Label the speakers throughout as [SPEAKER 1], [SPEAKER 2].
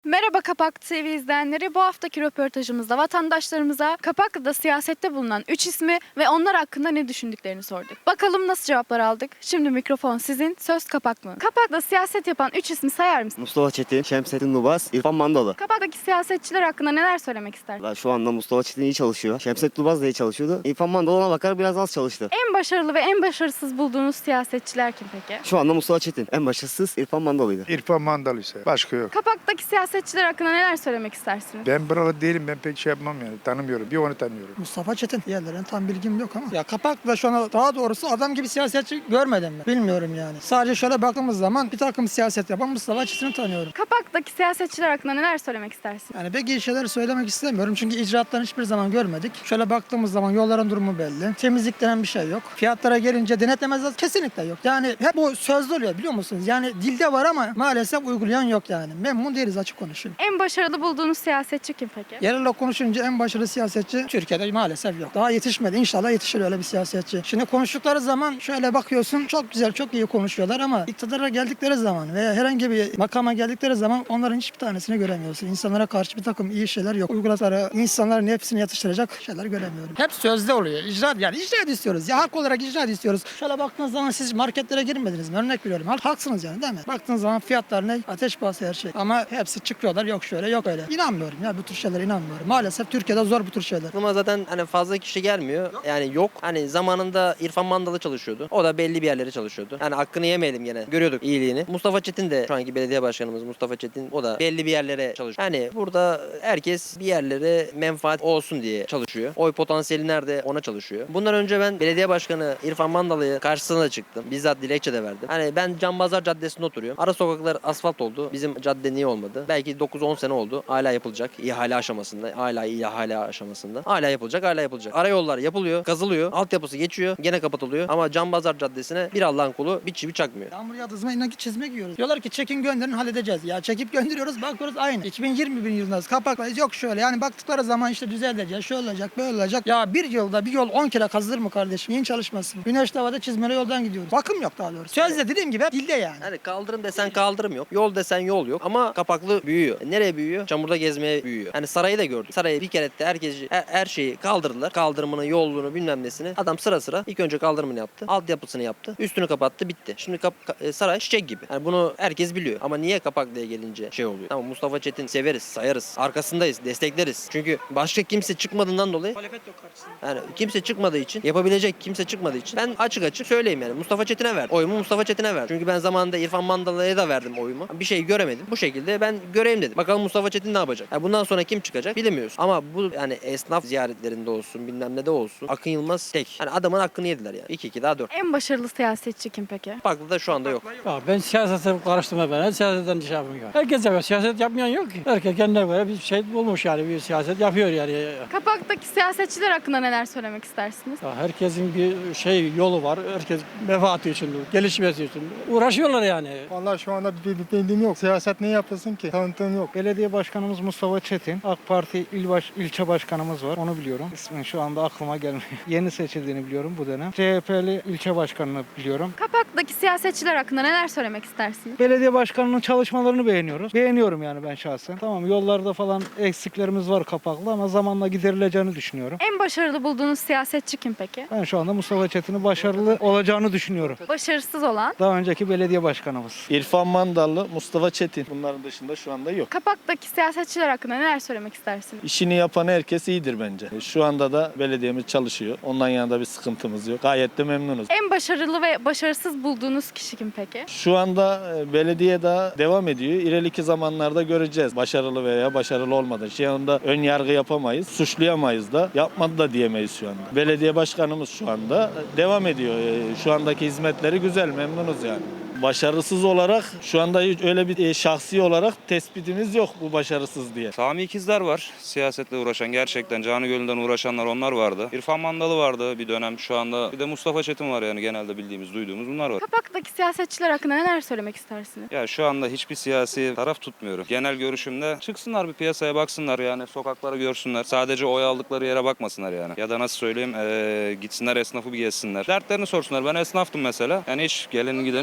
[SPEAKER 1] Merhaba Kapak TV izleyenleri. Bu haftaki röportajımızda vatandaşlarımıza Kapaklı'da siyasette bulunan 3 ismi ve onlar hakkında ne düşündüklerini sorduk. Bakalım nasıl cevaplar aldık? Şimdi mikrofon sizin, söz Kapaklı'nın. Kapak'ta siyaset yapan 3 ismi sayar mısınız?
[SPEAKER 2] Mustafa Çetin, Şemsettin Lubas, İrfan Mandalı.
[SPEAKER 1] Kapak'taki siyasetçiler hakkında neler söylemek istersiniz?
[SPEAKER 2] Şu anda Mustafa Çetin iyi çalışıyor. Şemsettin Lubas da iyi çalışıyordu. İrfan Mandalı ona bakar biraz az çalıştı.
[SPEAKER 1] En başarılı ve en başarısız bulduğunuz siyasetçiler kim peki?
[SPEAKER 2] Şu anda Mustafa Çetin. En başarısız İrfan Mandalı'ydı.
[SPEAKER 3] İrfan Mandalı ise. Başka yok.
[SPEAKER 1] Kapak'taki siyasetçiler hakkında neler söylemek istersiniz?
[SPEAKER 3] Ben buralı değilim. Ben pek şey yapmam yani. Tanımıyorum. Bir onu tanıyorum.
[SPEAKER 4] Mustafa Çetin. Diğerlerine tam bilgim yok ama. Ya Kapak'ta şu an daha doğrusu adam gibi siyasetçi görmedim ben. Bilmiyorum yani. Sadece şöyle baktığımız zaman bir takım siyaset yapan Mustafa Çetin'i tanıyorum.
[SPEAKER 1] Kapak'taki siyasetçiler hakkında neler söylemek istersiniz?
[SPEAKER 4] Yani pek iyi şeyler söylemek istemiyorum çünkü icraatlarını hiçbir zaman görmedik. Şöyle baktığımız zaman yolların durumu belli. Temizlik denen bir şey yok. Fiyatlara gelince denetlemezler kesinlikle yok. Yani hep bu sözlü oluyor biliyor musunuz? Yani dilde var ama maalesef uygulayan yok yani. Memnun değiliz açık konuşayım.
[SPEAKER 1] En başarılı bulduğunuz siyasetçi kim peki?
[SPEAKER 4] Yerel konuşunca en başarılı siyasetçi Türkiye'de maalesef yok. Daha yetişmedi. İnşallah yetişir öyle bir siyasetçi. Şimdi konuştukları zaman şöyle bakıyorsun çok güzel, çok iyi konuşuyorlar ama iktidara geldikleri zaman veya herhangi bir makama geldikleri zaman onların hiçbir tanesini göremiyorsun. İnsanlara karşı bir takım iyi şeyler yok. Uyguladıkları insanların hepsini yatıştıracak şeyler göremiyorum. Hep sözde oluyor. İcraat yani icraat istiyoruz. Ya hak olarak icraat istiyoruz. Şöyle baktığınız zaman siz marketlere girmediniz mi? Örnek veriyorum. Haksınız yani değil mi? Baktığınız zaman fiyatlar ne? Ateş pahası her şey. Ama hepsi çıkıyorlar yok şöyle yok öyle. İnanmıyorum ya bu tür şeylere inanmıyorum. Maalesef Türkiye'de zor bu tür şeyler.
[SPEAKER 5] Aklıma zaten hani fazla kişi gelmiyor. Yani yok. Hani zamanında İrfan Mandalı çalışıyordu. O da belli bir yerlere çalışıyordu. Yani hakkını yemeyelim gene. Görüyorduk iyiliğini. Mustafa Çetin de şu anki belediye başkanımız Mustafa Çetin. O da belli bir yerlere çalışıyor. Yani burada herkes bir yerlere menfaat olsun diye çalışıyor. Oy potansiyeli nerede ona çalışıyor. Bundan önce ben belediye başkanı İrfan Mandalı'ya karşısına da çıktım. Bizzat dilekçe de verdim. Hani ben Canbazar Caddesi'nde oturuyorum. Ara sokaklar asfalt oldu. Bizim cadde niye olmadı? Belki 9-10 sene oldu. Hala yapılacak. İhale aşamasında. Hala ihale aşamasında. Hala yapılacak, hala yapılacak. Arayollar yapılıyor, kazılıyor, altyapısı geçiyor, gene kapatılıyor. Ama Canbazar Caddesi'ne bir Allah'ın kulu bir çivi çakmıyor.
[SPEAKER 4] Yağmur yağdığı zaman inanki çizme giyiyoruz. Diyorlar ki çekin gönderin halledeceğiz. Ya çekip gönderiyoruz bakıyoruz aynı. 2021 yılındayız. Kapaklayız yok şöyle. Yani baktıkları zaman işte düzelecek, şöyle olacak, böyle olacak. Ya bir yılda bir yol 10 kere kazılır mı kardeşim? Niye çalışmasın? Güneşli havada çizmeli yoldan gidiyoruz. Bakım yok daha doğrusu. Sözde dediğim gibi hep dilde yani.
[SPEAKER 5] Yani kaldırım desen kaldırım yok. Yol desen yol yok. Ama Kapaklı büyüyor. Nereye büyüyor? Çamurda gezmeye büyüyor. Yani sarayı da gördük. Sarayı bir kere de her şeyi kaldırdılar. Kaldırımını, yolluğunu bilmem nesini. Adam sıra sıra ilk önce kaldırımını yaptı. Altyapısını yaptı. Üstünü kapattı bitti. Şimdi saray çiçek gibi. Yani bunu herkes biliyor. Ama niye Kapaklı'ya gelince şey oluyor? Tamam Mustafa Çetin severiz, sayarız. Arkasındayız, destekleriz. Çünkü başka kimse çıkmadığından dolayı yani kimse çıkmadığı için, yapabilecek kimse çıkmadığı için ben açık açık söyleyeyim yani. Mustafa Çetin'e verdim. Oyumu Mustafa Çetin'e verdim. Çünkü ben zamanında İrfan Mandalı'ya da verdim oyumu. Bir şey göremedim. Bu şekilde ben göreyim dedim. Bakalım Mustafa Çetin ne yapacak? Yani bundan sonra kim çıkacak bilemiyoruz. Ama bu yani esnaf ziyaretlerinde olsun, bilmem ne de olsun. Akın Yılmaz tek. Yani adamın hakkını yediler yani. 2-2 daha 4.
[SPEAKER 1] En başarılı siyasetçi kim peki?
[SPEAKER 5] Kapaklı'da şu anda yok.
[SPEAKER 6] Ya ben siyasete karıştırma ben. Siyasetten şey yapmıyorum. Herkes yapıyor. Siyaset yapmayan yok ki. Herkes kendine göre bir şey bulmuş yani. Bir siyaset yapıyor yani.
[SPEAKER 1] Kapak'taki siyasetçiler hakkında neler söylemek istersiniz?
[SPEAKER 6] Ya herkesin bir şey yolu var. Herkes menfaati için, gelişmesi için uğraşıyorlar yani.
[SPEAKER 3] Vallahi şu anda bir bildiğim yok. Siyaset ne yapılsın ki? Tanıtım yok.
[SPEAKER 7] Belediye başkanımız Mustafa Çetin. AK Parti ilçe başkanımız var. Onu biliyorum. İsmi şu anda aklıma gelmiyor. Yeni seçildiğini biliyorum bu dönem. CHP'li ilçe başkanını biliyorum.
[SPEAKER 1] Kapak'taki siyasetçiler hakkında neler söylemek istersiniz?
[SPEAKER 7] Belediye başkanının çalışmalarını beğeniyoruz. Beğeniyorum yani ben şahsen. Tamam yollarda falan eksiklerimiz var Kapaklı ama zamanla giderileceğini düşünüyorum.
[SPEAKER 1] En başarılı bulduğunuz siyasetçi kim peki?
[SPEAKER 7] Ben şu anda Mustafa Çetin'in başarılı olacağını düşünüyorum.
[SPEAKER 1] Başarısız olan?
[SPEAKER 7] Daha önceki belediye başkanımız.
[SPEAKER 8] İrfan Mandalı, Mustafa Çetin. Bunların dışında şu anda yok.
[SPEAKER 1] Kapak'taki siyasetçiler hakkında neler söylemek istersiniz?
[SPEAKER 8] İşini yapan herkes iyidir bence. Şu anda da belediyemiz çalışıyor. Ondan yana da bir sıkıntımız yok. Gayet de memnunuz.
[SPEAKER 1] En başarılı ve başarısız bulduğunuz kişi kim peki?
[SPEAKER 8] Şu anda belediye daha devam ediyor. İleriki zamanlarda göreceğiz. Başarılı veya başarılı olmadı. Şey onda ön yargı yapamayız. Suçlayamayız da. Yapmadı da diyemeyiz şu anda. Belediye başkanımız şu anda devam ediyor. Şu andaki hizmetleri güzel. Memnunuz yani. Başarısız olarak şu anda öyle bir şahsi olarak tespitimiz yok bu başarısız diye.
[SPEAKER 9] Sami İkizler var. Siyasetle uğraşan, gerçekten canı gönülden uğraşanlar onlar vardı. İrfan Mandalı vardı bir dönem şu anda. Bir de Mustafa Çetin var yani genelde bildiğimiz, duyduğumuz bunlar var.
[SPEAKER 1] Kapak'taki siyasetçiler hakkında neler söylemek istersiniz?
[SPEAKER 9] Ya şu anda hiçbir siyasi taraf tutmuyorum. Genel görüşümde çıksınlar bir piyasaya baksınlar yani sokaklara görsünler. Sadece oy aldıkları yere bakmasınlar yani. Ya da nasıl söyleyeyim gitsinler esnafı bir gezsinler. Dertlerini sorsunlar. Ben esnaftım mesela. Yani hiç geleni gideni görmedik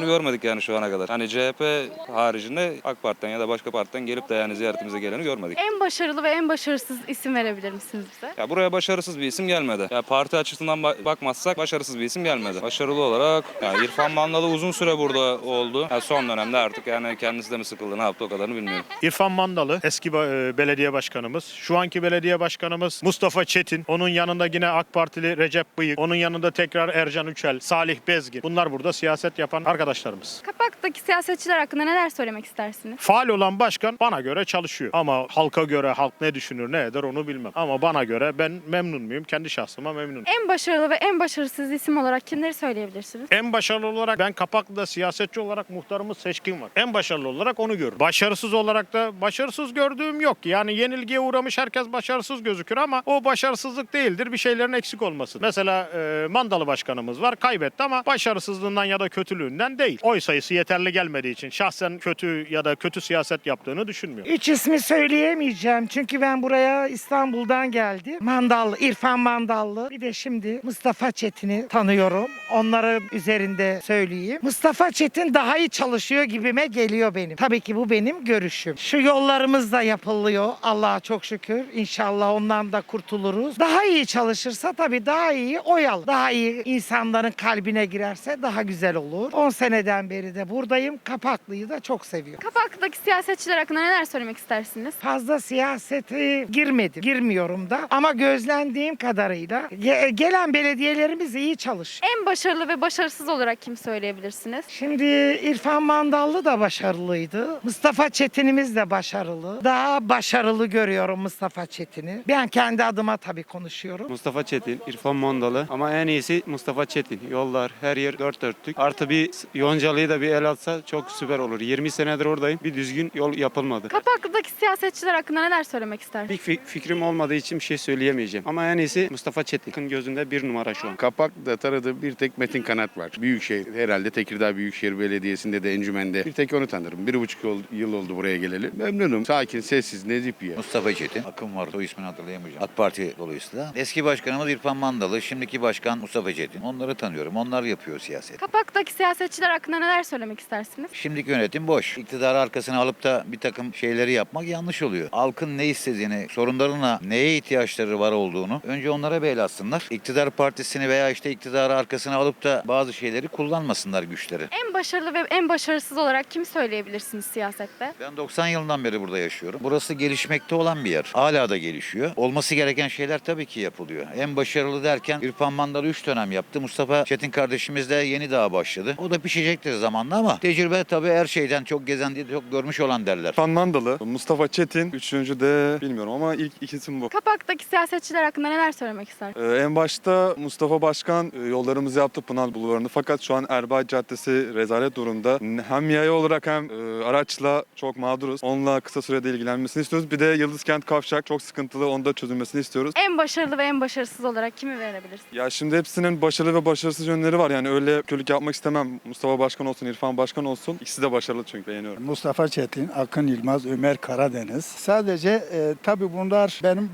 [SPEAKER 9] yani şu ana kadar. Hani CHP haricinde AK Parti'den ya da başka partiden gelip de yani ziyaretimize geleni görmedik.
[SPEAKER 1] En başarılı ve en başarısız isim verebilir misiniz bize?
[SPEAKER 9] Ya buraya başarısız bir isim gelmedi. Ya parti açısından bakmazsak başarısız bir isim gelmedi. Başarılı olarak ya İrfan Mandalı uzun süre burada oldu. Ya son dönemde artık yani kendisi de mi sıkıldı ne yaptı o kadarını bilmiyorum.
[SPEAKER 10] İrfan Mandalı eski belediye başkanımız. Şu anki belediye başkanımız Mustafa Çetin. Onun yanında yine AK Partili Recep Bıyık. Onun yanında tekrar Ercan Üçel, Salih Bezgin. Bunlar burada siyaset yapan arkadaşlarımız.
[SPEAKER 1] Kapak'taki siyasetçiler hakkında neler söylemek istersiniz?
[SPEAKER 10] Faal olan başkan bana göre çalışıyor. Ama halka göre halk ne düşünür ne eder onu bilmem. Ama bana göre ben memnun muyum? Kendi şahsıma memnunum.
[SPEAKER 1] En başarılı ve en başarısız isim olarak kimleri söyleyebilirsiniz?
[SPEAKER 10] En başarılı olarak ben Kapaklı'da siyasetçi olarak muhtarımız Seçkin var. En başarılı olarak onu görüyorum. Başarısız olarak da başarısız gördüğüm yok. Yani yenilgiye uğramış herkes başarısız gözükür ama o başarısızlık değildir. Bir şeylerin eksik olması. Mesela Mandalı başkanımız var. Kaybetti ama başarısızlığından ya da kötülüğünden değil. Oy sayısı yeterli gelmediği için şahsen kötü ya da kötü siyaset yaptığını düşünmüyorum.
[SPEAKER 11] Üç ismi söyleyemeyeceğim çünkü ben buraya İstanbul'dan geldim. Mandallı, İrfan Mandallı. Bir de şimdi Mustafa Çetin'i tanıyorum. Onların üzerinde söyleyeyim. Mustafa Çetin daha iyi çalışıyor gibime geliyor benim. Tabii ki bu benim görüşüm. Şu yollarımız da yapılıyor. Allah'a çok şükür. İnşallah ondan da kurtuluruz. Daha iyi çalışırsa tabii daha iyi oy alır. Daha iyi insanların kalbine girerse daha güzel olur. 10 seneden beri de buradayım. Kapaklı'yı da çok seviyorum.
[SPEAKER 1] Kapak'taki siyasetçiler hakkında neler söylemek istersiniz?
[SPEAKER 11] Fazla siyasete girmedim. Girmiyorum da. Ama gözlendiğim kadarıyla gelen belediyelerimiz iyi çalışıyor.
[SPEAKER 1] En başarılı ve başarısız olarak kim söyleyebilirsiniz?
[SPEAKER 11] Şimdi İrfan Mandallı da başarılıydı. Mustafa Çetin'imiz de başarılı. Daha başarılı görüyorum Mustafa Çetin'i. Ben kendi adıma tabii konuşuyorum.
[SPEAKER 12] Mustafa Çetin, İrfan Mandalı ama en iyisi Mustafa Çetin. Yollar, her yer dört dörtlük. Artı bir Yoncalı'yı da bir el atsa çok süper olur. 20 senedir oradayım. Bir düzgün yol yapılmadı.
[SPEAKER 1] Kapak'taki siyasetçiler hakkında neler söylemek istersiniz?
[SPEAKER 12] Bir fikrim olmadığı için bir şey söyleyemeyeceğim. Ama en iyisi Mustafa Çetin. Gözünde bir numara şu an.
[SPEAKER 13] Kapak'ta tanıdığım bir tek Metin Kanat var. Büyükşehir, herhalde Tekirdağ Büyükşehir Belediyesi'nde de encümende bir tek onu tanırım. 1,5 yıl oldu buraya geleli. Memnunum. Sakin, sessiz, nezih bir yer.
[SPEAKER 14] Mustafa Çetin. Akım var. O ismini hatırlayamayacağım. AK Parti dolayısıyla. Eski başkanımız İrfan Mandalı. Şimdiki başkan Mustafa Çetin. Onları tanıyorum. Onlar yapıyor siyaset.
[SPEAKER 1] Kapak'taki siyasetçiler hakkında neler söylemek istersiniz?
[SPEAKER 14] Şimdiki yönetim boş. İktidarı arkasına alıp da bir takım şeyleri yapmak yanlış oluyor. Halkın ne istediğini, sorunlarına neye ihtiyaçları var olduğunu önce onlara bir el atsınlar. İktidar partisini veya işte iktidarı arkasına alıp da bazı şeyleri kullanmasınlar güçleri.
[SPEAKER 1] En başarılı ve en başarısız olarak kim söyleyebilirsiniz siyasette?
[SPEAKER 14] Ben 90 yılından beri burada yaşıyorum. Burası gelişmekte olan bir yer. Hala da gelişiyor. Olması gereken şeyler tabii ki yapılıyor. En başarılı derken İrfan Mandalı 3 dönem yaptı. Mustafa Çetin kardeşimiz de yeni daha başladı. O da pişecektir zamanla ama tecrübe tabii her şeyden çok gezen diye çok görmüş olan derler.
[SPEAKER 15] İrfan Mandalı, Mustafa Çetin, üçüncü de bilmiyorum ama ilk ikisi bu.
[SPEAKER 1] Kapak'taki siyasetçiler hakkında neler söylemek istersiniz?
[SPEAKER 15] En başta Mustafa Başkan yollarımızı yaptı Pınar Bulvarı'nda fakat şu an Erbay Caddesi rezalet durumda. Hem yaya olarak hem araçla çok mağduruz. Onunla kısa sürede ilgilenmesini istiyoruz. Bir de Yıldızkent Kavşak çok sıkıntılı. Onu da çözülmesini istiyoruz.
[SPEAKER 1] En başarılı ve en başarısız olarak kimi verebilirsiniz?
[SPEAKER 15] Ya şimdi hepsinin başarılı ve başarısız yönleri var. Yani öyle kötülük yapmak istemem. Mustafa Başkan olsun, İrfan Başkan olsun. İkisi de başarılı çünkü beğeniyorum.
[SPEAKER 3] Mustafa Çetin, Akın Yılmaz, Ömer Karadeniz. Sadece tabii bunlar benim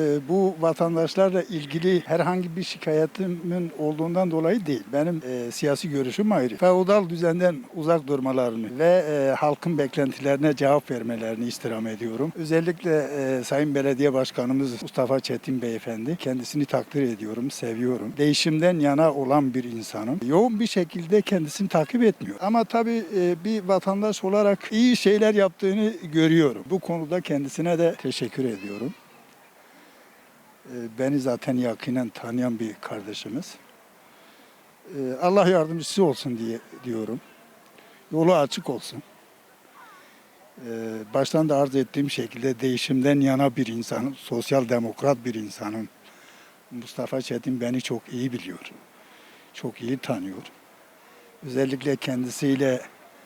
[SPEAKER 3] bu vatandaşlarla ilgili herhangi bir şikayetimin olduğundan dolayı değil. Benim siyasi görüşüm ayrı. Feodal düzenden uzak durmalarını ve halkın beklentilerine cevap vermelerini istirham ediyorum. Özellikle Sayın Belediye Başkanımız Mustafa Çetin Beyefendi. Kendisini takdir ediyorum, seviyorum. Değişimden yana olan bir insanım. Yoğun bir şekilde kendisini takip etmiyor. Ama tabii bir vatandaş olarak iyi şeyler yaptığını görüyorum. Bu konuda kendisine de teşekkür ediyorum. Beni zaten yakinen tanıyan bir kardeşimiz. Allah yardımcısı olsun diyorum. Yolu açık olsun. Baştan da arz ettiğim şekilde değişimden yana bir insanım, sosyal demokrat bir insanım. Mustafa Çetin beni çok iyi biliyor. Çok iyi tanıyor. Özellikle kendisiyle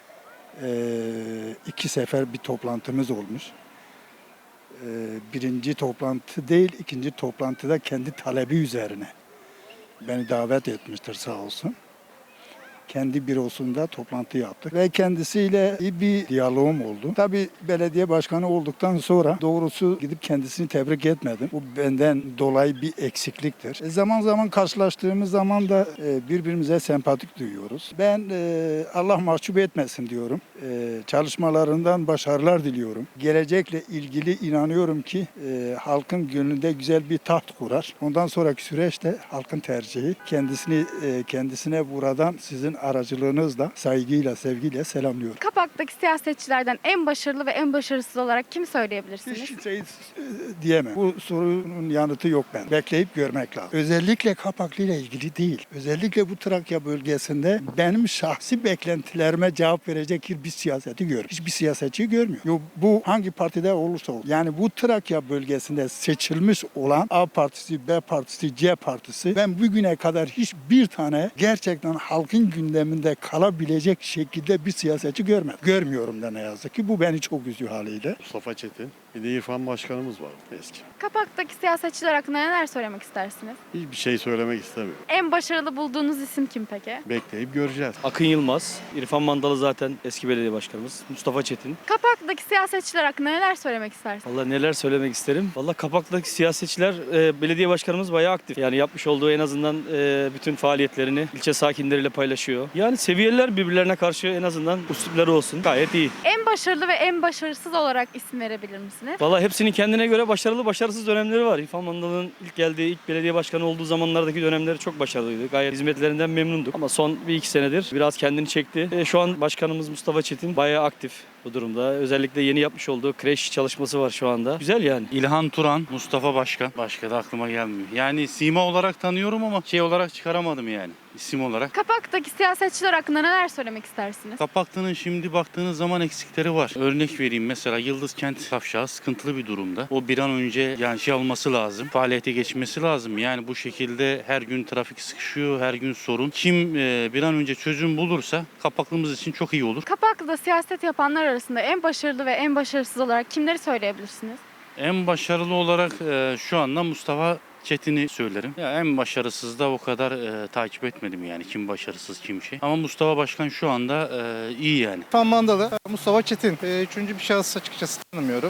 [SPEAKER 3] 2 sefer bir toplantımız olmuş. Birinci toplantı değil, ikinci toplantıda kendi talebi üzerine beni davet etmiştir sağ olsun. kendi bürosunda toplantı yaptık ve kendisiyle iyi bir diyalogum oldu. Tabii belediye başkanı olduktan sonra doğrusu gidip kendisini tebrik etmedim. Bu benden dolayı bir eksikliktir. Zaman zaman karşılaştığımız zaman da birbirimize sempatik duyuyoruz. Ben Allah mahcup etmesin diyorum. Çalışmalarından başarılar diliyorum. Gelecekle ilgili inanıyorum ki halkın gönlünde güzel bir taht kurar. Ondan sonraki süreçte halkın tercihi. Kendisine buradan sizin aracılığınızla saygıyla, sevgiyle selamlıyorum.
[SPEAKER 1] Kapak'taki siyasetçilerden en başarılı ve en başarısız olarak kim söyleyebilirsiniz?
[SPEAKER 3] Hiç şey diyemem. Bu sorunun yanıtı yok ben. Bekleyip görmek lazım. Özellikle Kapaklı ile ilgili değil. Özellikle bu Trakya bölgesinde benim şahsi beklentilerime cevap verecek bir siyaseti görüyorum. Hiçbir siyasetçi görmüyor. Bu hangi partide olursa olsun. Yani bu Trakya bölgesinde seçilmiş olan A partisi, B partisi, C partisi ben bugüne kadar hiçbir tane gerçekten halkın gündeminde kalabilecek şekilde bir siyasetçi görmedim. Görmüyorum da ne yazık ki. Bu beni çok üzüyor haliyle.
[SPEAKER 16] Mustafa Çetin. Bir de İrfan Başkanımız var eski.
[SPEAKER 1] Kapak'taki siyasetçiler hakkında neler söylemek istersiniz?
[SPEAKER 16] Hiçbir şey söylemek istemiyorum.
[SPEAKER 1] En başarılı bulduğunuz isim kim peki?
[SPEAKER 16] Bekleyip göreceğiz.
[SPEAKER 6] Akın Yılmaz, İrfan Mandalı zaten eski belediye başkanımız. Mustafa Çetin.
[SPEAKER 1] Kapak'taki siyasetçiler hakkında neler söylemek istersiniz?
[SPEAKER 6] Vallahi neler söylemek isterim. Vallahi Kapak'taki siyasetçiler, belediye başkanımız bayağı aktif. Yani yapmış olduğu en azından bütün faaliyetlerini ilçe sakinleriyle paylaşıyor. Yani seviyeler birbirlerine karşı en azından üslupları olsun. Gayet iyi.
[SPEAKER 1] En başarılı ve en başarısız olarak isim verebilir misiniz?
[SPEAKER 6] Vallahi hepsinin kendine göre başarılı, başarısız dönemleri var. İrfan Mandalı'nın ilk geldiği, ilk belediye başkanı olduğu zamanlardaki dönemleri çok başarılıydı. Gayet hizmetlerinden memnunduk. Ama son 1-2 senedir biraz kendini çekti. Şu an başkanımız Mustafa Çetin bayağı aktif bu durumda. Özellikle yeni yapmış olduğu kreş çalışması var şu anda. Güzel yani.
[SPEAKER 12] İlhan Turan, Mustafa Başkan. Başka da aklıma gelmiyor. Yani sima olarak tanıyorum ama şey olarak çıkaramadım yani. İsim olarak.
[SPEAKER 1] Kapak'taki siyasetçiler hakkında neler söylemek istersiniz?
[SPEAKER 12] Kapaklı'nın şimdi baktığınız zaman eksikleri var. Örnek vereyim, mesela Yıldız Kent kavşağı sıkıntılı bir durumda. O bir an önce yani şey olması lazım. Faaliyete geçmesi lazım. Yani bu şekilde her gün trafik sıkışıyor, her gün sorun. Kim bir an önce çözüm bulursa Kapaklı'mız için çok iyi olur.
[SPEAKER 1] Kapak'ta siyaset yapanlar arasında en başarılı ve en başarısız olarak kimleri söyleyebilirsiniz?
[SPEAKER 12] En başarılı olarak şu anda Mustafa Çetin'i söylerim. Ya en başarısız da o kadar takip etmedim yani kim başarısız kim şey. Ama Mustafa Başkan şu anda iyi yani.
[SPEAKER 7] İrfan Mandalı, Mustafa Çetin. Üçüncü bir şahıs açıkçası tanımıyorum.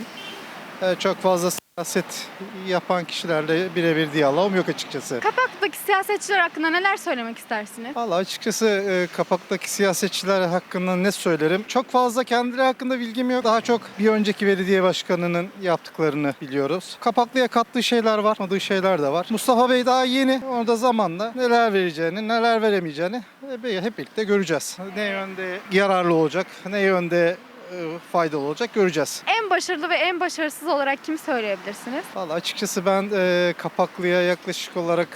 [SPEAKER 7] Çok fazla siyaset yapan kişilerle birebir diyalogum yok açıkçası.
[SPEAKER 1] Kapak'taki siyasetçiler hakkında neler söylemek istersiniz?
[SPEAKER 7] Vallahi açıkçası Kapak'taki siyasetçiler hakkında ne söylerim? Çok fazla kendileri hakkında bilgim yok. Daha çok bir önceki belediye başkanının yaptıklarını biliyoruz. Kapaklı'ya kattığı şeyler var, katmadığı şeyler de var. Mustafa Bey daha yeni. Orada zamanla neler vereceğini, neler veremeyeceğini hep birlikte göreceğiz. Ne yönde yararlı olacak, ne yönde faydalı olacak göreceğiz.
[SPEAKER 1] En başarılı ve en başarısız olarak kim söyleyebilirsiniz?
[SPEAKER 7] Vallahi açıkçası ben Kapaklı'ya yaklaşık olarak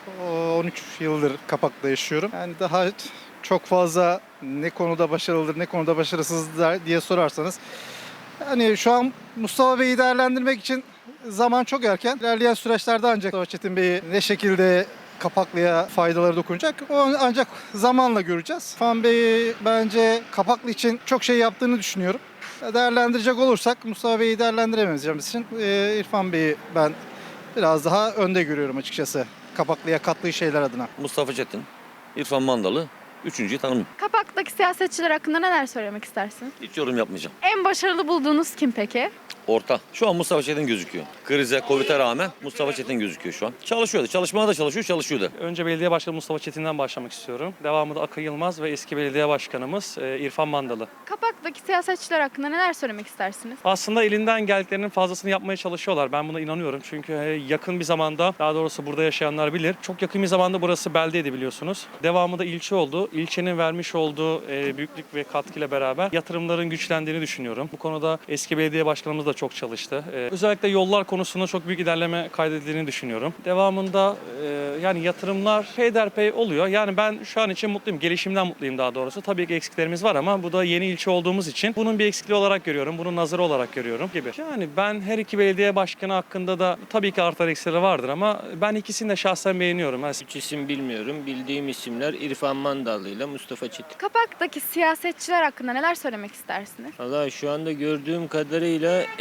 [SPEAKER 7] 13 yıldır Kapak'ta yaşıyorum. Yani daha çok fazla ne konuda başarılıdır, ne konuda başarısızdır diye sorarsanız. Yani şu an Mustafa Bey'i değerlendirmek için zaman çok erken. İlerleyen süreçlerde ancak Mustafa Çetin Bey'i ne şekilde Kapaklı'ya faydaları dokunacak. O ancak zamanla göreceğiz. İrfan Bey bence Kapaklı için çok şey yaptığını düşünüyorum. Değerlendirecek olursak Mustafa Bey'i değerlendiremeyeceğimiz için İrfan Bey'i ben biraz daha önde görüyorum açıkçası. Kapaklı'ya kattığı şeyler adına.
[SPEAKER 17] Mustafa Çetin, İrfan Mandalı, üçüncüyü tanımıyorum.
[SPEAKER 1] Kapak'taki siyasetçiler hakkında neler söylemek istersiniz?
[SPEAKER 17] Hiç yorum yapmayacağım.
[SPEAKER 1] En başarılı bulduğunuz kim peki?
[SPEAKER 17] Orta. Şu an Mustafa Çetin gözüküyor. Krize, Covid'e rağmen Mustafa Çetin gözüküyor şu an. Çalışıyordu. Çalışmaya da çalışıyordu.
[SPEAKER 6] Önce belediye başkanı Mustafa Çetin'den başlamak istiyorum. Devamında Akın Yılmaz ve eski belediye başkanımız İrfan Mandalı.
[SPEAKER 1] Kapak'taki siyasetçiler hakkında neler söylemek istersiniz?
[SPEAKER 6] Aslında elinden geldiklerinin fazlasını yapmaya çalışıyorlar. Ben buna inanıyorum. Çünkü yakın bir zamanda, daha doğrusu burada yaşayanlar bilir. Çok yakın bir zamanda burası beldeydi biliyorsunuz. Devamında ilçe oldu. İlçenin vermiş olduğu büyüklük ve katkıyla beraber yatırımların güçlendiğini düşünüyorum. Bu konuda eski belediye başkanımız da çok çalıştı. Özellikle yollar konusunda çok büyük ilerleme kaydedildiğini düşünüyorum. Devamında yani yatırımlar peyderpey oluyor. Yani ben şu an için mutluyum. Gelişimden mutluyum daha doğrusu. Tabii ki eksiklerimiz var ama bu da yeni ilçe olduğumuz için bunun bir eksikliği olarak görüyorum. Bunun nazarı olarak görüyorum gibi. Yani ben her iki belediye başkanı hakkında da tabii ki artar eksileri vardır ama ben ikisini de şahsen beğeniyorum.
[SPEAKER 18] Üç isim bilmiyorum. Bildiğim isimler İrfan Mandalı ile Mustafa Çetin.
[SPEAKER 1] Kapak'taki siyasetçiler hakkında neler söylemek istersiniz?
[SPEAKER 18] Valla şu anda gördüğüm kadarıyla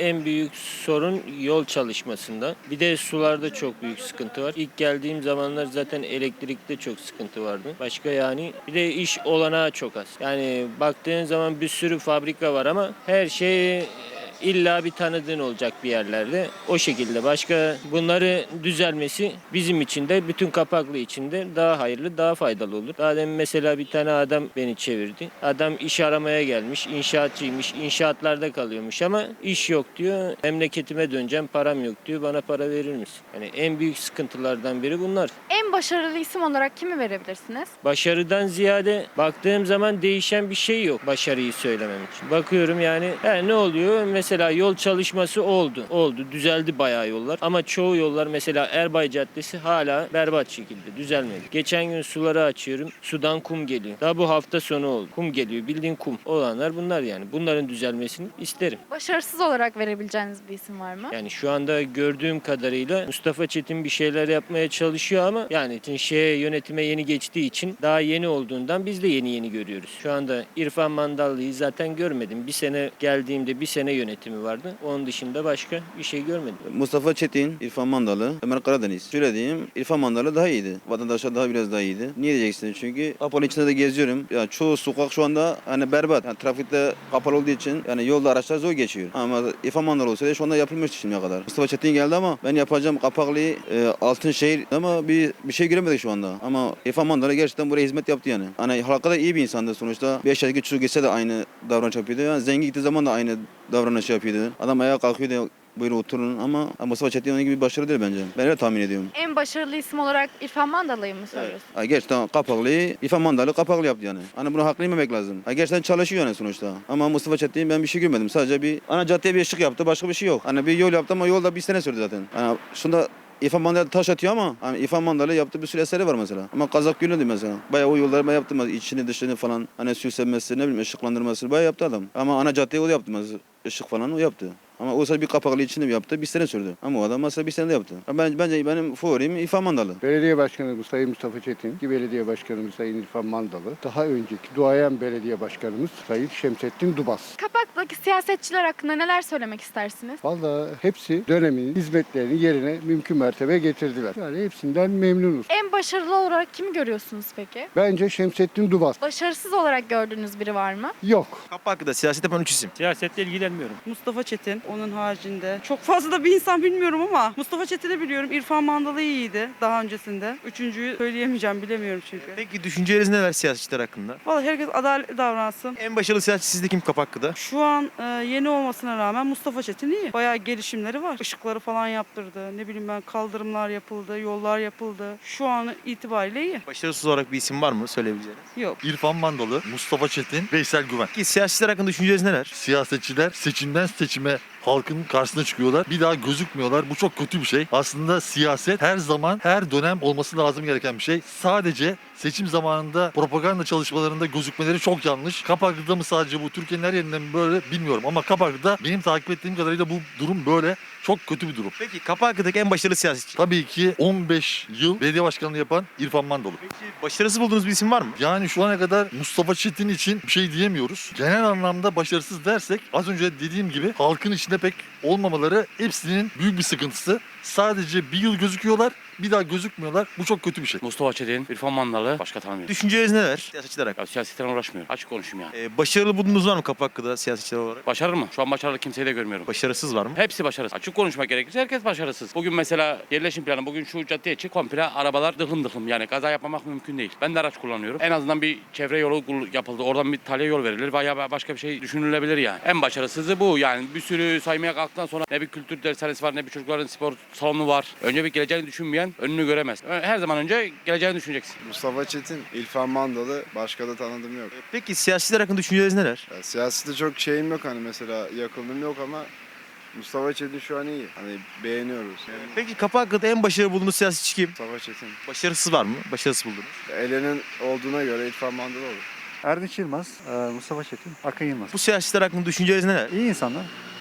[SPEAKER 18] en büyük sorun yol çalışmasında. Bir de sularda çok büyük sıkıntı var. İlk geldiğim zamanlar zaten elektrikte çok sıkıntı vardı. Başka yani bir de iş olanağı çok az. Yani baktığın zaman bir sürü fabrika var ama her şey illa bir tanıdığın olacak bir yerlerde. O şekilde başka bunları düzelmesi bizim için de bütün Kapaklı için de daha hayırlı, daha faydalı olur. Daha demin mesela bir tane adam beni çevirdi. Adam iş aramaya gelmiş, inşaatçıymış, inşaatlarda kalıyormuş ama iş yok diyor. Memleketime döneceğim, param yok diyor. Bana para verir misin? Yani en büyük sıkıntılardan biri bunlar.
[SPEAKER 1] En başarılı isim olarak kimi verebilirsiniz?
[SPEAKER 18] Başarıdan ziyade baktığım zaman değişen bir şey yok başarıyı söylemem için. Bakıyorum yani ne oluyor? Mesela yol çalışması oldu. Oldu. Düzeldi bayağı yollar. Ama çoğu yollar mesela Erbay Caddesi hala berbat şekilde düzelmedi. Geçen gün suları açıyorum. Sudan kum geliyor. Daha bu hafta sonu oldu. Kum geliyor. Bildiğin kum. Olanlar bunlar yani. Bunların düzelmesini isterim.
[SPEAKER 1] Başarısız olarak verebileceğiniz bir isim var mı?
[SPEAKER 18] Yani şu anda gördüğüm kadarıyla Mustafa Çetin bir şeyler yapmaya çalışıyor ama yani yönetime yeni geçtiği için daha yeni olduğundan biz de yeni görüyoruz. Şu anda İrfan Mandallı'yı zaten görmedim. Bir sene geldiğimde bir sene yönetimi vardı. Onun dışında başka bir şey görmedim.
[SPEAKER 19] Mustafa Çetin, İrfan Mandalı, Ömer Karadeniz. Şöyle diyeyim, İrfan Mandalı daha iyiydi. Vatandaşlar biraz daha iyiydi. Niye diyeceksiniz? Çünkü kapalı içinde de geziyorum. Ya çoğu sokak şu anda hani berbat. Yani trafikte kapalı olduğu için yani yolda araçlar zor geçiyor. Ama İrfan Mandalı olsaydı şu anda yapılmıştı şimdiye kadar. Mustafa Çetin geldi ama ben yapacağım Kapaklı'yı Altınşehir ama bir şey göremedik şu anda. Ama İrfan Mandalı gerçekten buraya hizmet yaptı yani. Hani halka da iyi bir insandı sonuçta. 5 yaşındaki çocuk geçse de aynı davranış yapıyordu. Yani zengin gittiği zaman da aynı davranış yapıyordu. Adam ayağa kalkıyordu. Buyurun oturun ama Mustafa Çetin onun gibi bir başarı değil bence. Ben öyle tahmin ediyorum.
[SPEAKER 1] En başarılı isim olarak İrfan Mandalı'yı mı söylüyorsun?
[SPEAKER 19] Ha, gerçekten Kapaklı'yı İrfan Mandalı Kapaklı yaptı yani. Hani bunu haklı yememek lazım. Ha, gerçekten çalışıyor yani sonuçta. Ama Mustafa Çetin ben bir şey görmedim. Sadece bir ana caddeye bir ışık yaptı. Başka bir şey yok. Hani bir yol yaptı ama yolda bir sene sürdü zaten. Hani şunda İrfan Mandalı taş atıyor ama hani İrfan Mandalı yaptığı bir sürü eseri var mesela. Ama Kazak Gölü'ndü mesela. Bayağı o yolları bayağı yaptı. İçini dışını falan hani süslenmesi ne bileyim ışıklandırması bayağı yaptı adam. Ama ana caddeyi o yaptı mesela. Işık falan o yaptı. Ama o bir Kapaklı içinde yaptı. Bir sene sürdü. Ama o adam mesela bir sene de yaptı. Bence benim favorim İrfan Mandalı.
[SPEAKER 20] Belediye Başkanımız Sayın Mustafa Çetin, ki Belediye Başkanımız Sayın İrfan Mandalı, daha önceki duayen belediye başkanımız Sayın Şemsettin Dubas.
[SPEAKER 1] Kapak'taki siyasetçiler hakkında neler söylemek istersiniz?
[SPEAKER 20] Vallahi hepsi dönemin hizmetlerini yerine mümkün mertebe getirdiler. Yani hepsinden memnunuz.
[SPEAKER 1] En başarılı olarak kimi görüyorsunuz peki?
[SPEAKER 20] Bence Şemsettin Dubas.
[SPEAKER 1] Başarısız olarak gördüğünüz biri var mı?
[SPEAKER 20] Yok.
[SPEAKER 5] Kapaklı'da siyaset yapan 3 isim.
[SPEAKER 6] Siyasetle ilgilenmiyorum.
[SPEAKER 21] Mustafa Çetin, onun haricinde. Çok fazla da bir insan bilmiyorum ama Mustafa Çetin'i biliyorum. İrfan Mandalı iyiydi daha öncesinde. Üçüncüyü söyleyemeyeceğim, bilemiyorum çünkü.
[SPEAKER 5] Peki düşünceleriniz neler siyasetçiler hakkında?
[SPEAKER 21] Vallahi herkes adaletli davransın.
[SPEAKER 5] En başarılı siyasetçi sizde kim Kapaklı'da?
[SPEAKER 21] Şu an yeni olmasına rağmen Mustafa Çetin iyi. Bayağı gelişimleri var. Işıkları falan yaptırdı. Ne bileyim ben, kaldırımlar yapıldı, yollar yapıldı. Şu an itibariyle iyi.
[SPEAKER 5] Başarısız olarak bir isim var mı söyleyebileceğiniz?
[SPEAKER 21] Yok.
[SPEAKER 8] İrfan Mandalı, Mustafa Çetin, Veysel Güven.
[SPEAKER 5] Peki siyasetçiler hakkında düşünceleriniz neler?
[SPEAKER 8] Siyasetçiler seçimden seçime halkın karşısına çıkıyorlar. Bir daha gözükmüyorlar. Bu çok kötü bir şey. Aslında siyaset her zaman, her dönem olması lazım gereken bir şey. Sadece seçim zamanında propaganda çalışmalarında gözükmeleri çok yanlış. Kapaklı'da mı sadece bu, Türkiye'nin her yerinde mi böyle bilmiyorum. Ama Kapaklı'da benim takip ettiğim kadarıyla bu durum böyle. Çok kötü bir durum.
[SPEAKER 5] Peki Kapaklı'daki en başarılı siyasetçi?
[SPEAKER 8] Tabii ki 15 yıl belediye başkanlığı yapan İrfan Mandalı.
[SPEAKER 5] Peki başarısız bulduğunuz bir isim var mı?
[SPEAKER 8] Yani şu ana kadar Mustafa Çetin için bir şey diyemiyoruz. Genel anlamda başarısız dersek az önce dediğim gibi halkın içinde pek olmamaları hepsinin büyük bir sıkıntısı. Sadece bir yıl gözüküyorlar, bir daha gözükmüyorlar. Bu çok kötü bir şey.
[SPEAKER 12] Mustafa Çetin, İrfan Mandalı, başka tanımıyorum.
[SPEAKER 5] Düşünceleriniz neler siyasetçiler hakkında?
[SPEAKER 12] Ya siyasetten uğraşmıyorum. Açık konuşayım yani.
[SPEAKER 5] Başarılı bulduğunuz var mı Kapaklı'da siyasetçiler olarak?
[SPEAKER 12] Başarılı mı? Şu an başarılı kimseyi de görmüyorum.
[SPEAKER 5] Başarısız var mı?
[SPEAKER 12] Hepsi başarısız. Açık konuşmak gerekirse herkes başarısız. Bugün mesela yerleşim planı, bugün şu caddeye çık komple arabalar dıklım dıklım. Yani kaza yapmamak mümkün değil. Ben de araç kullanıyorum. En azından bir çevre yolu yapıldı. Oradan bir talya yol verilir veya başka bir şey düşünülebilir yani. En başarısızı bu yani. Bir sürü saymaya kalktıktan sonra ne bir kültür dershanesi var, ne bir çocukların spor salonu var. Önce bir geleceğini düşünmeyen önünü göremez. Her zaman önce geleceğini düşüneceksin.
[SPEAKER 22] Mustafa Çetin, İrfan Mandalı, başka da tanıdığım yok.
[SPEAKER 5] Peki siyasetçiler hakkında düşünceleriniz neler?
[SPEAKER 22] Ya, siyasette çok şeyim yok, hani mesela yakınlığım yok ama Mustafa Çetin şu an iyi. Hani beğeniyoruz.
[SPEAKER 5] Peki Kapaklı'da en başarılı bulduğunuz siyasetçi kim?
[SPEAKER 22] Mustafa Çetin.
[SPEAKER 5] Başarısız var mı? Başarısız buldunuz.
[SPEAKER 22] Elenin olduğuna göre İrfan Mandalı olur.
[SPEAKER 3] Erdinç Yılmaz, Mustafa Çetin, Akın Yılmaz.
[SPEAKER 5] Bu siyasetçiler hakkında düşünceleriniz neler?
[SPEAKER 3] İyi insanlar.
[SPEAKER 5] Peki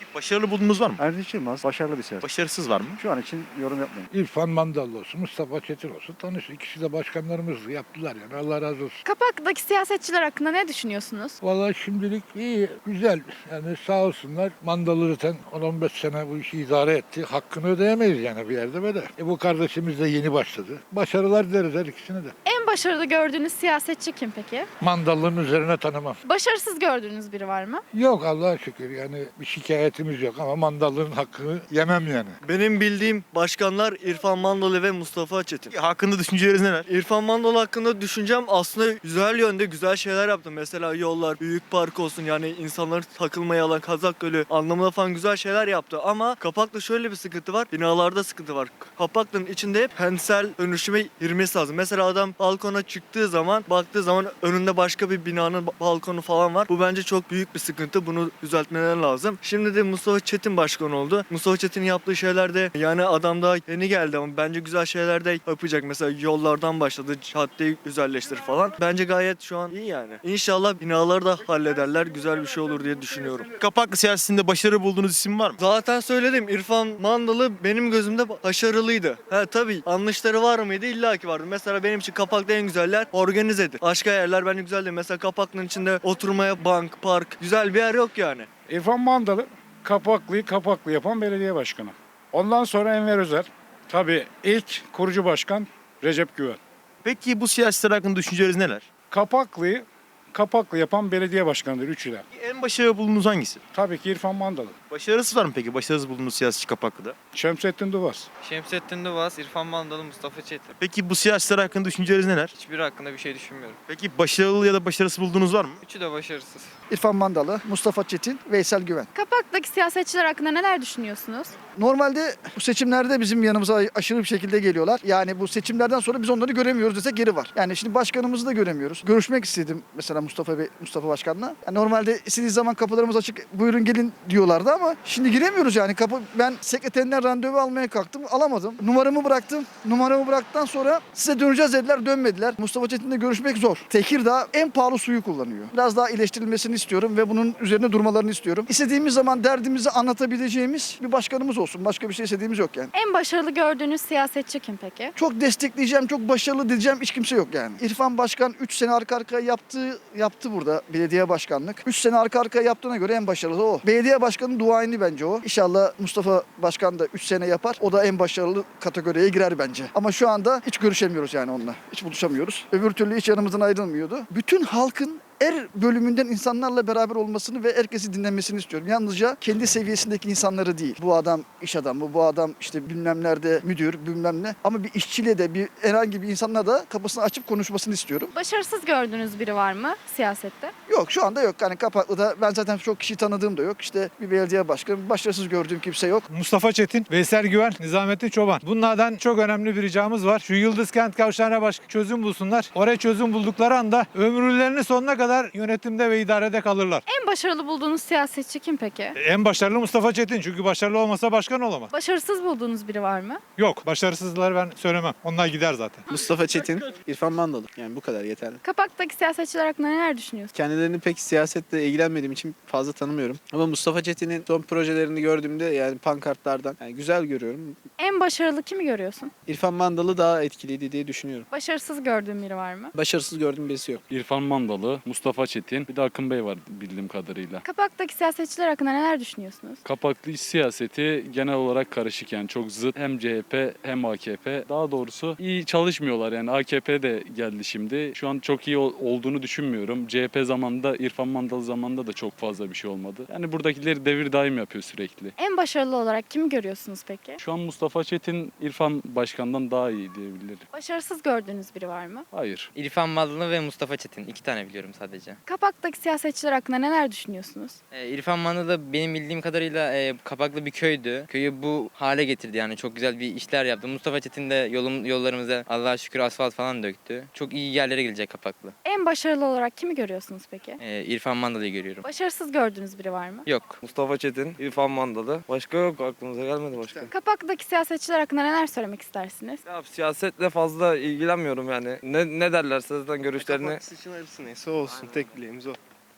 [SPEAKER 2] Başarılı buldunuz var mı?
[SPEAKER 16] Erdinç Yılmaz başarılı bir siyasetçi.
[SPEAKER 2] Başarısız var mı?
[SPEAKER 16] Şu an için yorum yapmayın.
[SPEAKER 3] İrfan Mandalı olsun, Mustafa Çetin olsun tanış. İkisi de başkanlarımız yaptılar yani. Allah razı olsun.
[SPEAKER 1] Kapak'taki siyasetçiler hakkında ne düşünüyorsunuz?
[SPEAKER 3] Vallahi şimdilik iyi, güzel. Yani sağ olsunlar. Mandalı zaten 10-15 sene bu işi idare etti. Hakkını ödeyemeyiz yani bir yerde böyle. Bu kardeşimiz de yeni başladı. Başarılar dileriz her ikisine de.
[SPEAKER 1] En başarılı gördüğünüz siyasetçi kim peki?
[SPEAKER 3] Mandalının üzerine tanımam.
[SPEAKER 1] Başarısız gördüğünüz biri var mı?
[SPEAKER 3] Yok Allah'a şükür yani bir şikayetimiz yok ama mandalının hakkını yemem yani.
[SPEAKER 4] Benim bildiğim başkanlar İrfan Mandalı ve Mustafa Çetin.
[SPEAKER 2] Hakkında düşünceleriniz neler?
[SPEAKER 4] İrfan Mandalı hakkında düşüncem aslında güzel yönde güzel şeyler yaptı. Mesela yollar, büyük park olsun yani insanların takılmaya alan Kazak Gölü anlamında falan güzel şeyler yaptı. Ama Kapak'ta şöyle bir sıkıntı var. Binalarda sıkıntı var. Kapak'ın içinde hep kentsel dönüşüme girmesi lazım. Mesela adam balkona çıktığı zaman baktığı zaman önünde başka bir binanın balkonu falan var. Bu bence çok büyük bir sıkıntı. Bunu düzeltmeler lazım. Şimdi de Mustafa Çetin başkan oldu. Mustafa Çetin'in yaptığı şeyler de yani adam daha yeni geldi ama bence güzel şeyler de yapacak. Mesela yollardan başladı. Caddeyi güzelleştirir falan. Bence gayet şu an iyi yani. İnşallah binaları da hallederler. Güzel bir şey olur diye düşünüyorum.
[SPEAKER 2] Kapaklı siyasetinde başarı bulduğunuz isim var mı?
[SPEAKER 4] Zaten söyledim. İrfan Mandalı benim gözümde başarılıydı. Tabii yanlışları var mıydı? İlla ki vardı. Mesela benim için Kapak'ta en güzeller organizedir. Başka yerler bence güzel değil. Mesela Kapak'ın içinde oturmaya bank, park güzel bir yer yok yani.
[SPEAKER 23] İrfan Mandalı Kapaklı'yı Kapaklı yapan belediye başkanı. Ondan sonra Enver Özer. Tabii ilk kurucu başkan Recep Güven.
[SPEAKER 2] Peki bu siyasetler hakkında düşünceleriniz neler?
[SPEAKER 23] Kapaklı'yı Kapaklı yapan belediye başkanıdır üçü de.
[SPEAKER 2] En başarılı bulduğunuz hangisi?
[SPEAKER 23] Tabii ki İrfan Mandalı.
[SPEAKER 2] Başarısız var mı peki? Başarısız bulduğunuz siyasetçi Kapaklı'da.
[SPEAKER 23] Şemsettin Duvaz.
[SPEAKER 24] Şemsettin Duvaz, İrfan Mandalı, Mustafa Çetin.
[SPEAKER 2] Peki bu siyasetler hakkında düşünceleriniz neler?
[SPEAKER 24] Hiçbiri hakkında bir şey düşünmüyorum.
[SPEAKER 2] Peki başarılı ya da başarısız bulduğunuz var mı?
[SPEAKER 24] Üçü de başarısız.
[SPEAKER 25] İrfan Mandalı, Mustafa Çetin, Veysel Güven.
[SPEAKER 1] Kapak'taki siyasetçiler hakkında neler düşünüyorsunuz?
[SPEAKER 25] Normalde bu seçimlerde bizim yanımıza aşırı bir şekilde geliyorlar. Yani bu seçimlerden sonra biz onları göremiyoruz desek geri var. Yani şimdi başkanımızı da göremiyoruz. Görüşmek istedim mesela Mustafa Başkan'la. Yani normalde istediği zaman kapılarımız açık, buyurun gelin diyorlardı ama şimdi giremiyoruz yani. Ben sekreterinden randevu almaya kalktım, alamadım. Numaramı bıraktım. Numaramı bıraktıktan sonra size döneceğiz dediler, dönmediler. Mustafa Çetin'le görüşmek zor. Tekirdağ en pahalı suyu kullanıyor. Biraz daha iyileştirilmesini istiyorum ve bunun üzerine durmalarını istiyorum. İstediğimiz zaman derdimizi anlatabileceğimiz bir başkanımız olsun. Başka bir şey istediğimiz yok yani.
[SPEAKER 1] En başarılı gördüğünüz siyasetçi kim peki?
[SPEAKER 25] Çok destekleyeceğim, çok başarılı diyeceğim hiç kimse yok yani. İrfan Başkan 3 sene arka arkaya yaptı burada belediye başkanlık. 3 sene arka arkaya yaptığına göre en başarılı o. Belediye başkanının duayeni bence o. İnşallah Mustafa Başkan da 3 sene yapar. O da en başarılı kategoriye girer bence. Ama şu anda hiç görüşemiyoruz yani onunla. Hiç buluşamıyoruz. Öbür türlü hiç yanımızdan ayrılmıyordu. Bütün halkın bölümünden insanlarla beraber olmasını ve herkesi dinlemesini istiyorum. Yalnızca kendi seviyesindeki insanları değil. Bu adam iş adamı, bu adam işte bilmem nerede müdür, bilmem ne. Ama bir işçiyle de herhangi bir insanla da kapısını açıp konuşmasını istiyorum.
[SPEAKER 1] Başarısız gördüğünüz biri var mı siyasette?
[SPEAKER 25] Yok şu anda yok. Yani Kapaklı'da ben zaten çok kişi tanıdığım da yok. İşte bir belediye başkanı, başarısız gördüğüm kimse yok.
[SPEAKER 23] Mustafa Çetin, Veysel Güven, Nizamettin Çoban. Bunlardan çok önemli bir ricamız var. Şu Yıldız Kent Kavşağı'na başka çözüm bulsunlar. Oraya çözüm buldukları anda ömürlerinin sonuna kadar yönetimde ve idarede kalırlar.
[SPEAKER 1] En başarılı bulduğunuz siyasetçi kim peki?
[SPEAKER 23] En başarılı Mustafa Çetin çünkü başarılı olmasa başkan olamaz.
[SPEAKER 1] Başarısız bulduğunuz biri var mı?
[SPEAKER 23] Yok, başarısızları ben söylemem. Onlar gider zaten.
[SPEAKER 26] Mustafa Çetin, İrfan Mandalı. Yani bu kadar yeterli.
[SPEAKER 1] Kapak'taki siyasetçiler hakkında neler düşünüyorsunuz?
[SPEAKER 26] Kendilerini pek siyasetle ilgilenmediğim için fazla tanımıyorum. Ama Mustafa Çetin'in son projelerini gördüğümde yani pankartlardan güzel görüyorum.
[SPEAKER 1] En başarılı kimi görüyorsun?
[SPEAKER 26] İrfan Mandalı daha etkiliydi diye düşünüyorum.
[SPEAKER 1] Başarısız gördüğün biri var mı?
[SPEAKER 26] Başarısız gördüğüm birisi yok.
[SPEAKER 27] İrfan Mandalı, Mustafa Çetin, bir de Akın Bey var bildiğim kadarıyla.
[SPEAKER 1] Kapak'taki siyasetçiler hakkında neler düşünüyorsunuz?
[SPEAKER 27] Kapaklı iç siyaseti genel olarak karışık yani çok zıt. Hem CHP hem AKP. Daha doğrusu iyi çalışmıyorlar yani AKP de geldi şimdi. Şu an çok iyi olduğunu düşünmüyorum. CHP zamanında, İrfan Mandalı zamanında da çok fazla bir şey olmadı. Yani buradakileri devir daim yapıyor sürekli.
[SPEAKER 1] En başarılı olarak kimi görüyorsunuz peki?
[SPEAKER 27] Şu an Mustafa Çetin, İrfan Başkan'dan daha iyi diyebilirim.
[SPEAKER 1] Başarısız gördüğünüz biri var mı?
[SPEAKER 27] Hayır.
[SPEAKER 24] İrfan Mandalı ve Mustafa Çetin. 2 tane biliyorum sadece.
[SPEAKER 1] Kapak'taki siyasetçiler hakkında neler düşünüyorsunuz?
[SPEAKER 24] İrfan Mandalı benim bildiğim kadarıyla Kapaklı bir köydü. Köyü bu hale getirdi yani çok güzel bir işler yaptı. Mustafa Çetin de yollarımıza Allah'a şükür asfalt falan döktü. Çok iyi yerlere gelecek Kapaklı.
[SPEAKER 1] En başarılı olarak kimi görüyorsunuz peki?
[SPEAKER 24] İrfan Mandalı'yı görüyorum.
[SPEAKER 1] Başarısız gördüğünüz biri var mı?
[SPEAKER 24] Yok.
[SPEAKER 4] Mustafa Çetin, İrfan Mandalı. Başka yok aklımıza gelmedi başka.
[SPEAKER 1] Kapak'taki siyasetçiler hakkında neler söylemek istersiniz?
[SPEAKER 4] Ya siyasetle fazla ilgilenmiyorum yani. Ne derlerse zaten görüşlerini.
[SPEAKER 26] Kapak için arası neyse olsun. Tek dileğimiz o.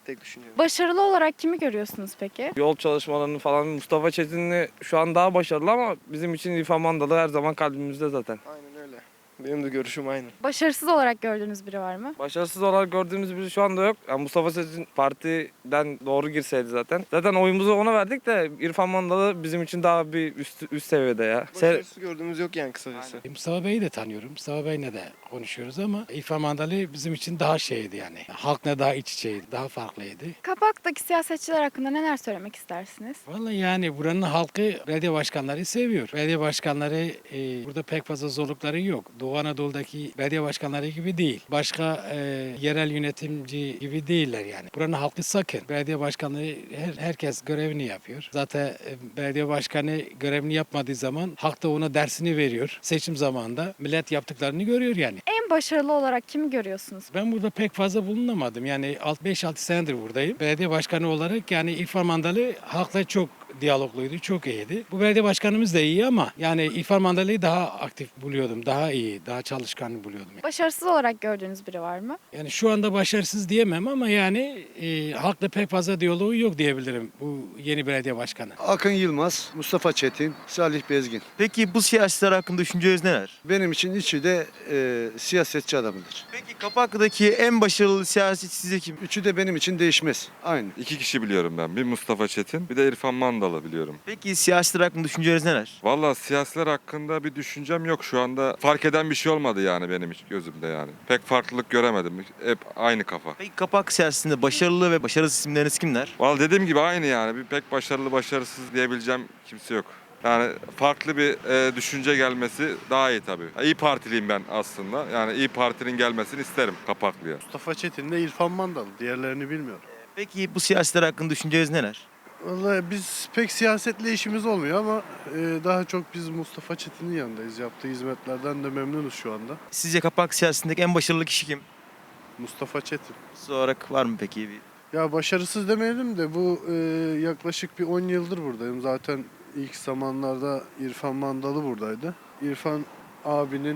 [SPEAKER 7] tek düşünüyorum.
[SPEAKER 1] Başarılı olarak kimi görüyorsunuz peki?
[SPEAKER 7] Yol çalışmalarını falan Mustafa Çetinli şu an daha başarılı ama bizim için İrfan Mandalı her zaman kalbimizde zaten. Aynen öyle. Benim de görüşüm aynı.
[SPEAKER 1] Başarısız olarak gördüğünüz biri var mı?
[SPEAKER 7] Başarısız olarak gördüğümüz biri şu anda yok. Yani Mustafa Çetin partiden doğru girseydi zaten. Zaten oyumuzu ona verdik de İrfan Mandalı bizim için daha bir üst seviyede ya. Başarısız gördüğümüz yok yani kısacası.
[SPEAKER 9] Mustafa Bey'i de tanıyorum. Mustafa Bey'le de konuşuyoruz ama İrfan Mandalı bizim için daha şeydi yani. Halkla daha iç içeydi, daha farklıydı.
[SPEAKER 1] Kapak'taki siyasetçiler hakkında neler söylemek istersiniz?
[SPEAKER 9] Vallahi yani buranın halkı belediye başkanları seviyor. Belediye başkanları burada pek fazla zorlukları yok. Doğu Anadolu'daki belediye başkanları gibi değil. Başka yerel yönetimci gibi değiller yani. Buranın halkı sakın. Belediye başkanları herkes görevini yapıyor. Zaten belediye başkanı görevini yapmadığı zaman halk da ona dersini veriyor. Seçim zamanında millet yaptıklarını görüyor yani.
[SPEAKER 1] En başarılı olarak kimi görüyorsunuz?
[SPEAKER 9] Ben burada pek fazla bulunamadım. Yani 5-6 senedir buradayım. Belediye başkanı olarak yani İrfan Mandalı halkla çok diyalogluydu, çok iyiydi. Bu belediye başkanımız da iyi ama yani İrfan Mandalı'yı daha aktif buluyordum, daha iyi, daha çalışkan buluyordum.
[SPEAKER 1] Başarısız olarak gördüğünüz biri var mı?
[SPEAKER 9] Yani şu anda başarısız diyemem ama yani halkla pek fazla diyaloğu yok diyebilirim bu yeni belediye başkanı.
[SPEAKER 16] Akın Yılmaz, Mustafa Çetin, Salih Bezgin.
[SPEAKER 2] Peki bu siyasetçiler hakkında düşünceleriniz neler?
[SPEAKER 16] Benim için üçü de siyasetçi adamıdır.
[SPEAKER 2] Peki Kapaklı'daki en başarılı siyasetçi sizce kim?
[SPEAKER 16] Üçü de benim için değişmez. Aynı.
[SPEAKER 10] İki kişi biliyorum ben. Bir Mustafa Çetin, bir de İrfan Mandalı biliyorum.
[SPEAKER 2] Peki siyasetçiler hakkında düşünceleriniz neler?
[SPEAKER 10] Valla siyasiler hakkında bir düşüncem yok şu anda. Fark eden bir şey olmadı yani benim gözümde yani. Pek farklılık göremedim. Hep aynı kafa.
[SPEAKER 2] Peki Kapak siyasetinde başarılı ve başarısız isimleriniz kimler?
[SPEAKER 10] Valla dediğim gibi aynı yani. Bir pek başarılı başarısız diyebileceğim kimse yok. Yani farklı bir düşünce gelmesi daha iyi tabii. İyi Partiliyim ben aslında. Yani İyi Parti'nin gelmesini isterim Kapaklı'ya.
[SPEAKER 11] Mustafa Çetin de İrfan Mandalı. Diğerlerini bilmiyorum.
[SPEAKER 2] Peki bu siyasetler hakkında düşünceleriniz neler?
[SPEAKER 11] Vallahi biz pek siyasetle işimiz olmuyor ama daha çok biz Mustafa Çetin'in yanındayız. Yaptığı hizmetlerden de memnunuz şu anda.
[SPEAKER 2] Sizce Kapak siyasetindeki en başarılı kişi kim?
[SPEAKER 11] Mustafa Çetin.
[SPEAKER 2] Siz olarak var mı peki bir?
[SPEAKER 11] Ya başarısız demeyelim de bu yaklaşık bir 10 yıldır buradayım. Zaten ilk zamanlarda İrfan Mandalı buradaydı. İrfan abinin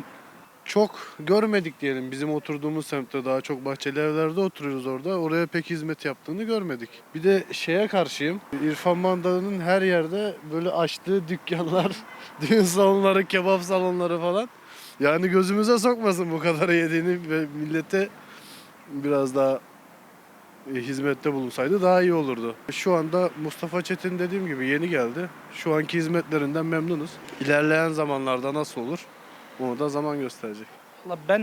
[SPEAKER 11] çok görmedik diyelim. Bizim oturduğumuz semtte daha çok bahçeli evlerde oturuyoruz orada. Oraya pek hizmet yaptığını görmedik. Bir de şeye karşıyım. İrfan Mandalı'nın her yerde böyle açtığı dükkanlar, düğün salonları, kebap salonları falan. Yani gözümüze sokmasın bu kadar yediğini ve millete biraz daha hizmette bulunsaydı daha iyi olurdu. Şu anda Mustafa Çetin dediğim gibi yeni geldi. Şu anki hizmetlerinden memnunuz. İlerleyen zamanlarda nasıl olur? Onu da zaman gösterecek.
[SPEAKER 13] Valla ben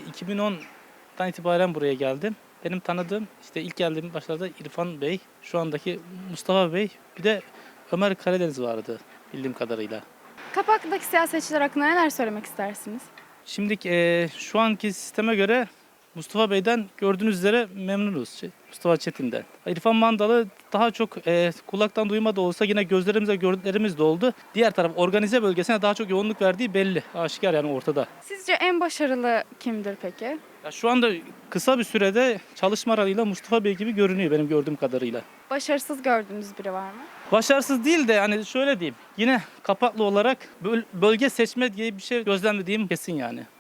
[SPEAKER 13] 2010'dan itibaren buraya geldim. Benim tanıdığım işte ilk geldiğim başlarda İrfan Bey, şu andaki Mustafa Bey, bir de Ömer Karadeniz vardı bildiğim kadarıyla.
[SPEAKER 1] Kapak'taki siyasetçiler hakkında neler söylemek istersiniz?
[SPEAKER 13] Şimdi şu anki sisteme göre Mustafa Bey'den gördüğünüz üzere memnunuz. Mustafa Çetin'den. İrfan Mandalı daha çok kulaktan duyma da olsa yine gözlerimizle gördüklerimiz de oldu. Diğer taraf organize bölgesine daha çok yoğunluk verdiği belli. Aşikar yani ortada.
[SPEAKER 1] Sizce en başarılı kimdir peki?
[SPEAKER 13] Ya şu anda kısa bir sürede çalışma aralığıyla Mustafa Bey gibi görünüyor benim gördüğüm kadarıyla.
[SPEAKER 1] Başarısız gördüğünüz biri var mı?
[SPEAKER 13] Başarısız değil de yani şöyle diyeyim. Yine Kapaklı olarak bölge seçme diye bir şey gözlemlediğim kesin yani.